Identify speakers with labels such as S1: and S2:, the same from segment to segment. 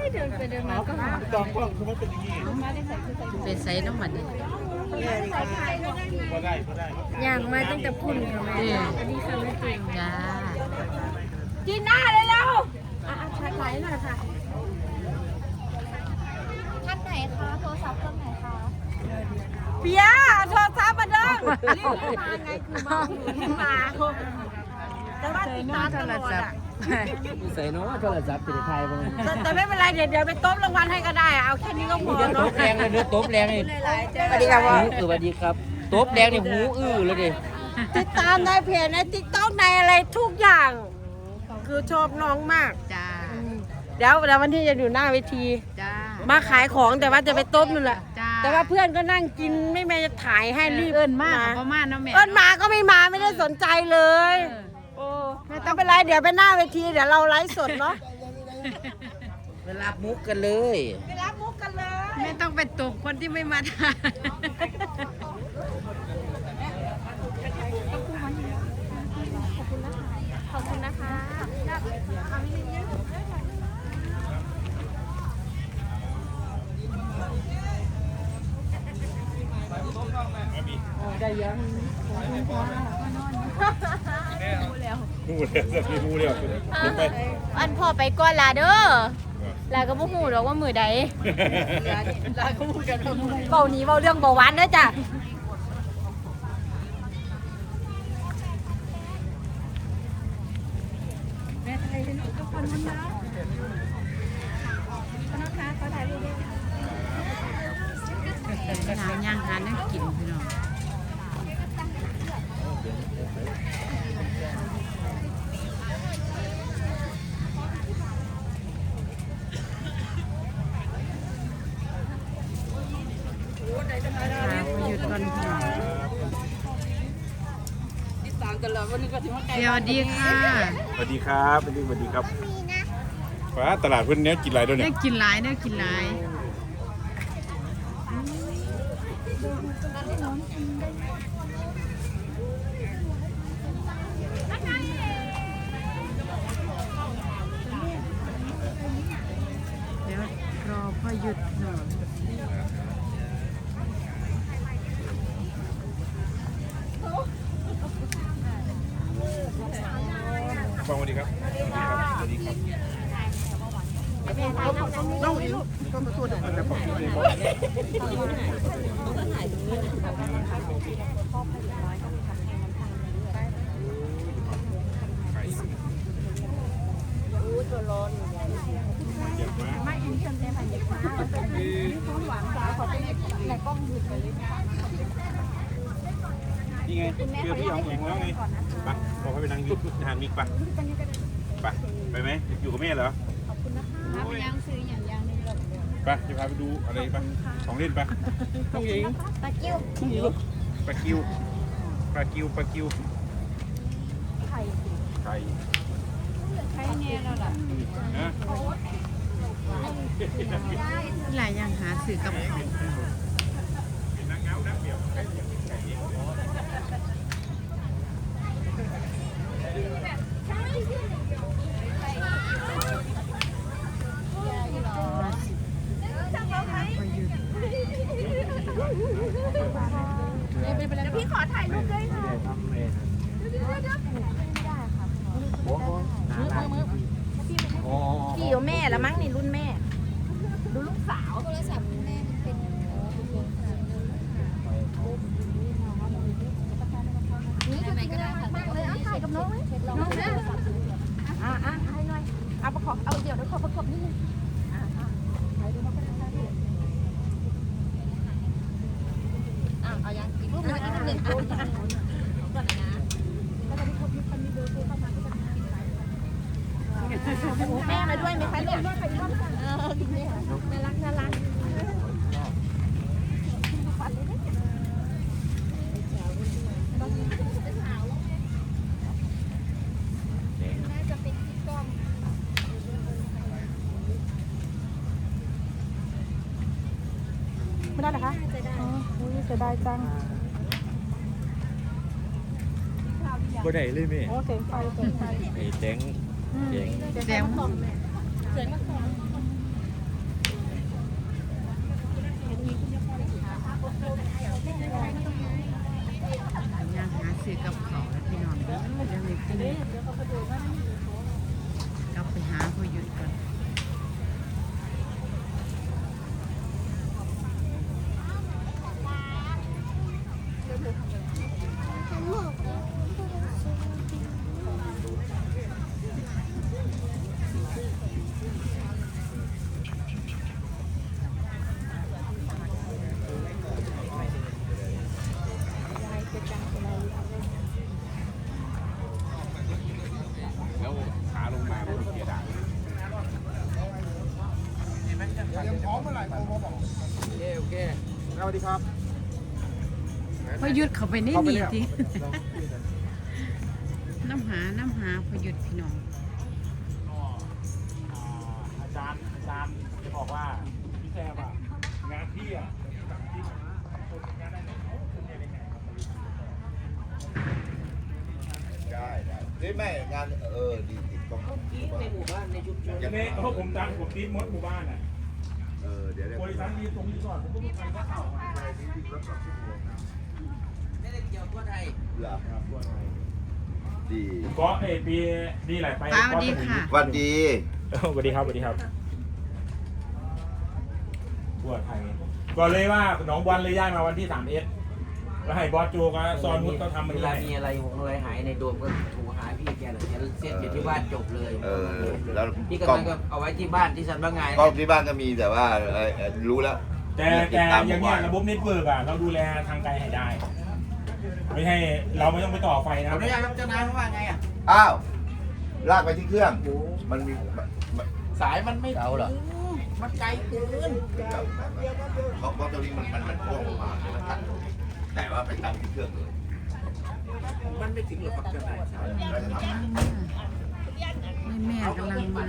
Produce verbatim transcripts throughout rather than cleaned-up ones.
S1: เดินไปเดินมาก็หา
S2: จองกล้องคือมันเป็นอย่างนี้
S3: เป็นไซน้ำมันนี่
S2: ก็ได้ก็ได้
S1: อย่างมาตั้งแต่พุ่นค่ะแม่อันนี้ค่ะแม่จริง
S3: จ้า
S1: จีน่าเลยแล้วอ่ะชัดไลน์หน่อยค่ะ
S4: ท่านไหนคะโทรศัพท์เครื่องไหนคะ
S1: เปียโทรศัพท์มาเด้อรีบมาไงคือมามาแต่ว่าติดตามตลอดอ่ะ
S5: ใส่เนาะโทรศัพท์ติดไทยบ่
S1: แต่ไม่เป็นไรเดี๋ยวเดี๋ยวไปต้มรางวัลให้ก็ได้เอาแค่นี้ก็พอ
S5: ต
S1: เนาะ
S5: บแรงเลยเด้อตบแรงนี่
S1: สวัสดีครับพ่อ
S5: สวัสดีครับตบแรงนี่หูอื้อเลยดิ
S1: ติดตามในเพจในติ๊กต็อกในอะไรทุกอย่าง คือชอบน้องมาก
S3: จ้า
S1: เดี๋ยวเดี๋ยววันที่จะอยู่หน้าเวที
S3: จ้า
S1: มาขายของแต่ว่าจะไปต้มนู่นแหละ
S3: จ้า
S1: แต่ว่าเพื่อนก็นั่งกินไม่แม่จะถ่ายให้รีบ
S3: เอิ้นมากประมาณน้ำแม่
S1: เอิ้นมาก็ไม่มาไม่ได้สนใจเลยโอ้ไม่ต้องเป็นไรเดี๋ยวไปหน้าเวทีเดี๋ยวเราไลฟ์สดเนาะ
S5: ไปรับมุกกันเลย
S1: ไปรับมุกกันเลย
S3: ไม่ต้องไปตบคนที่ไม่มาทาน
S4: ขอบคุณนะคะ
S5: ได้ยัง
S2: พูดแล้วจะมีพูดแล้วลงไป
S4: อันพ่อไปก่อนลาเด้อลาก็บ่ฮู้ดอกว่ามือใดลาก็พูดกันเบานี้เบาเรื่องเบาหวานเด้อจ้ะ
S3: หาย่างหานั่งกินพี่น้องหยุดก่อนพี่น้องเดี๋ยวดีค่ะ
S2: สวัสดีครับสวัสดีสวัสดีครับฟ้าตลาดเพื่อนเนี้ยกินอะไรด้วย
S3: ได้
S2: เนี่ย
S3: กินหลายได้กินหลายเดี๋ยวรอพ่อหยุดหน่อย
S2: ฟังสวัสดีครับสวัสดีครับน้องอินก็มาตัวเด็กจะบอกที่เลยนี่ไงเพื่อพี่เอาเองแล้วไงไปบอกให้ไปนั่งยุบทานมิกไปไปไปไหมอยู่กับแม่เหรอไปยังซื้ออย่างยังนึงไปจะพาไปดูอะไรไปของเล่นไปต้องยิงปลากิ้วปลากิ้วปลากิ้วปลากิ้วไข่ไข่ไข่เนี่ยแล้วล่ะนะ
S3: หลายอย่างหาสื่อกับเขา
S4: พี่ขอถ่ายรูปด้วยค่ะพี่อยู่แม่แล้วมั้งนี่รุ่นแม่ดูลูกสาวโทรศัพท์แม่มันเป็นนี่ทำไมก็ได้ค่ะเลยเอาถ่ายกับน้องไหมน้องนะอ่ะอ่ะให้หน่อยเอาประกอบเอาเดี๋ยวเดี๋ยวขอประกอบนิดนึงเอายังอีกรูปหนึ่งอีกรูปหนึ่งก่อนนะแล้วก็มีคนมีคนมีเบอร์โทรเข้ามาแม่มาด้วยไหมคะเนี่ยเออน่ารักน่ารักน่าจะเป็นที่กล้องไม่ได้เหรอคะอ๋ออุ้ยเสียดายจัง
S2: บ่ได้เลยแม่
S1: โอ้เสียงไฟเสียงไฟ
S2: ไอ้แจ้งแจ้ง
S3: แซม
S4: สวยมาก
S6: เตรียมพร้อมเมื่อไหร่โทรมาบอก
S5: โอเคโอเค
S6: สวัสดีครับ
S3: พอหยุดเขาไปนี่หนีทีน้ำหาน้ำหาพอหยุดพี่น้อง
S2: อาจารย์อาจารย์จะบอกว่าพี่แซมอ่ะงานพี่อ่ะที่คนงานได้ไหนเขาคุณเนี่ยได้ไง
S7: ได้ได้เฮ้ยไม่งานเออดีติดกล้อง
S5: ในหมู่บ้านในชุมชน
S2: อย่างนี้เพราะผมจำผมตีมดหมู่บ้านอ่ะ
S7: เออเดี๋ยวเดี๋ยว
S2: บริษัทนี้ตรงนี้ก่อนผมก็ไม่ไปก็เข้ามา
S5: ไม่ได้เกี่ยวกับไทย
S7: เหรอดี
S2: ก็เอปีนี่แหละไป
S3: ป้าสวัสดีค่ะ
S7: สวัสดี
S2: สวัสดีครับสวัสดีครับบัวไทยก็เลยว่าหนองบอลเลยย้ายมาวันที่สามเอสแล้วให้บอสโจกับซอนนุชเขาทำมัน
S5: เว
S2: เล
S5: ลาย มีอะไรหงอะไรหายในโดมก็โทรหาพี่แกเลยแกเซ็ตอยู่ที่บ้านจบเลย
S7: เออแล้ว
S5: พี่
S7: กล้
S5: ก็
S7: อง
S5: ก็เอาไว้ที่บ้านที่สันบางไง
S7: กล้องที่บ้านก็มีแต่ว่าเออเอ่อรู้แล้ว
S2: แต่แต่อย่างเงี้ยระบบเน็ตเวิร์กอ่ะเราดูแลทางไกลให้ได้ ไม่ให้เราไม่ต้องไปต่อไฟนะ
S5: ขออนุญาตครับเจ้านายเขาว่าไงอ่ะ
S7: อ้าวลากไปที่เครื่อง มันมีมัน
S5: สายมันไม่เอาเหรอมันไกลเกิน
S7: เพราะเพราะตรงนี้มันมันมันพ่วงออกมาเลยมันตัดแต่ว่าไปตั้งที่เครื่องเลย
S5: มันไม่ถึงหรอกครับเจ้านาย
S7: แล้วจะทำ
S3: แม่แม่กำลังมา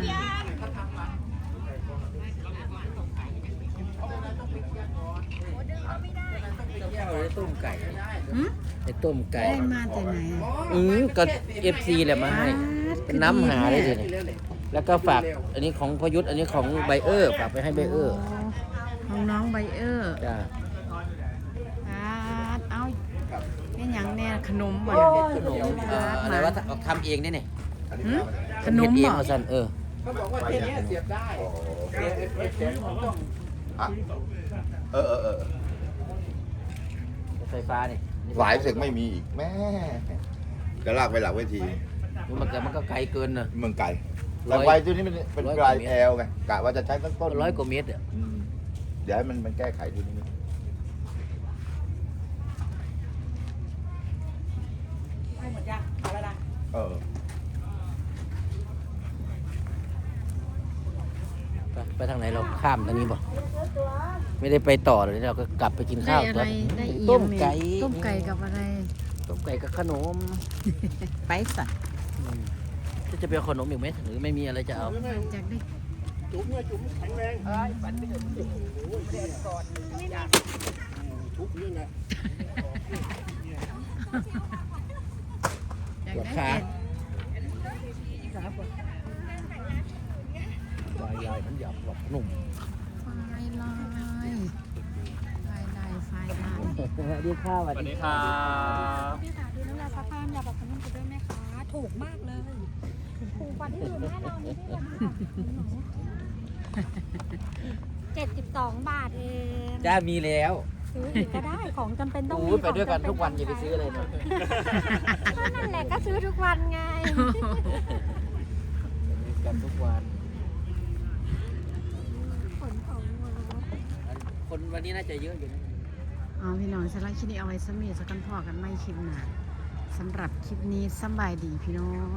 S5: เอาไอ้ต้มไก่
S3: หืม
S5: ไอ้ต้มไก่
S3: ได้มาแต่ไหนอะ
S5: อืมก็เอฟซีแหละมาให้ เป็นน้ำหาได้เลยเนี่ยแล้วก็ฝากอันนี้ของพยุทธอันนี้ของไบเออร์ฝากไปให้ไบเออร์
S3: ของน้องไบเออร์
S5: จ้า
S3: อ่าเอาเป็นหยังแน่ขนมบ่
S5: ขนมเอ่ออะไรว่าทำเองนี่เนี่ย
S3: หืมขนม
S5: เฮ็ดเอง
S3: บ่
S5: มาสั่นเออ
S7: อ่ะเออเออเออ
S5: ไฟฟ้านี่
S7: หลายเสกไม่มีอีกแม่จะลากไปหลังเวที
S5: มันก็มันก็ไกลเกินนะ
S7: เมืองไก่
S5: ร้
S7: แต่
S5: อย
S7: ไฟตัวนี้มันเป็น
S5: ร้อย
S7: ป
S5: กว่า
S7: ลาย
S5: เมตร
S7: แอลไงกะว่าจะใช้ต้นต้น
S5: ร้อยกว่าเมตรอ่ะ
S7: อืมเดี๋ยวให้มันมันแก้ไขทีนี้
S1: ให้หมดยังเอาแล้วนะ
S7: เออ
S5: ไปไปทางไหนเราข้ามทางนี้บ่ไม่ได้ไปต่อเลยเราก็กลับไปกิน
S3: ได้
S5: ข้าว
S3: อะไรได้อี
S5: ต้มไก่
S3: ต้มไก่กับอะไร
S5: ต้มไก่กับขนม
S3: ไปสัตว์
S5: อืมจะเป็นขนมอีกไหมหรือไม่มีอะไรจะเอา
S3: จากได้
S6: จุ๋มเนี่ยจุ๋มแข็งแรงทุกเรื่องนะ
S3: จาก
S5: ปวด
S3: ได้
S5: ขา
S3: เอ็ด
S5: ลายลายมันหยาบกว่าหนุ่ม
S3: ไฟลายไฟลายไฟลาย
S5: สวัสดีค่ะสวัสดีค่ะ
S4: พี่ค่ะดูน้ำลายซักผ้าอยากบอกขนมกูด้วยไหมคะถูกมากเลยถูกกว่าที่อื่นแน่นอนนี่เจ็ดสิบสองบาทเอง
S5: จ้ามีแล้ว
S4: ซื้ออีกก็ได้ของจำเป็นต้อง
S5: โอ้
S4: มี
S5: ยไปด้วยกันทุกวันอย่าไปซื้ออะไรนะ
S4: ก็นั่นแหละก็ซื้อทุกวันไง
S5: กันทุกวัน
S4: ขนของมา
S5: คนวันนี้น่าจะเยอะอยู่นะ
S3: เอาพี่น้องสำหรับคลิปนี้เอาไว้สมีสักกันพอกันไม่คลิปหนาสำหรับคลิปนี้สำบายดีพี่น้อง